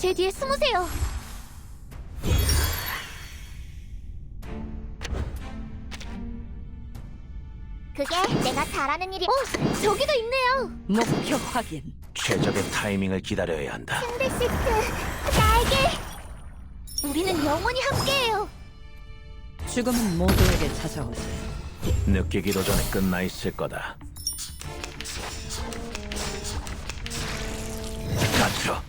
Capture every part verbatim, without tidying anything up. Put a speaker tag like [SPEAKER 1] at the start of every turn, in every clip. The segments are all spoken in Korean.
[SPEAKER 1] 제 뒤에 숨으세요. 그게 내가 잘하는 일이... 어! 저기도 있네요!
[SPEAKER 2] 목표 확인.
[SPEAKER 3] 최적의 타이밍을 기다려야 한다.
[SPEAKER 1] 샌들시트, 나에게! 우리는 영원히 함께해요.
[SPEAKER 2] 죽음은 모두에게 찾아오지.
[SPEAKER 3] 느끼기도 전에 끝나 있을 거다. 갇혀.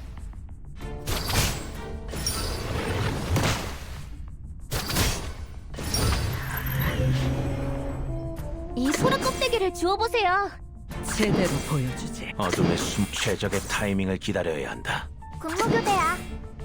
[SPEAKER 1] 이 소라 껍데기를 주워보세요.
[SPEAKER 2] 제대로 보여주지.
[SPEAKER 3] 어둠의 숨 최적의 타이밍을 기다려야 한다.
[SPEAKER 1] 군무교대야.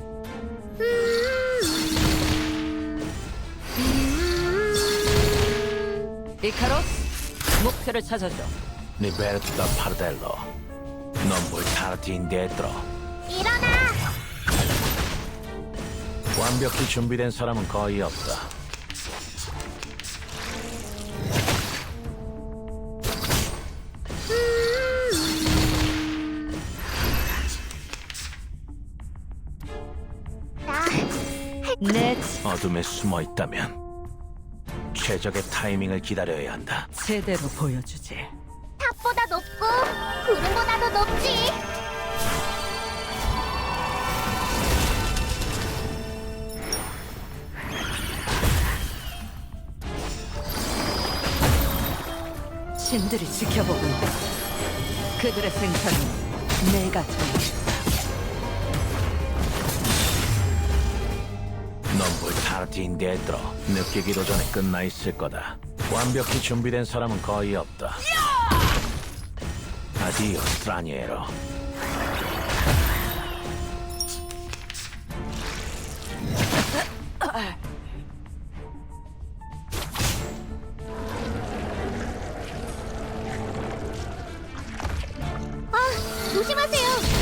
[SPEAKER 2] 이카로스, 목표를 찾아줘.
[SPEAKER 3] 리베르토 다 파르델로 non puoi starti indietro.
[SPEAKER 1] 일어나!
[SPEAKER 3] 완벽히 준비된 사람은 거의 없다.
[SPEAKER 1] 나...
[SPEAKER 2] 내
[SPEAKER 3] 어둠에 숨어 있다면 최적의 타이밍을 기다려야 한다.
[SPEAKER 2] 제대로 보여주지.
[SPEAKER 1] 탑보다 높고 구름보다도 높지.
[SPEAKER 2] 신들이 지켜보고 있다. 그들의 생사는 내가 정해.
[SPEAKER 3] non puoi starti indietro. 느끼기도 전에 끝나 있을 거다. 완벽히 준비된 사람은 거의 없다. Addio, straniero.
[SPEAKER 1] 아, 조심하세요.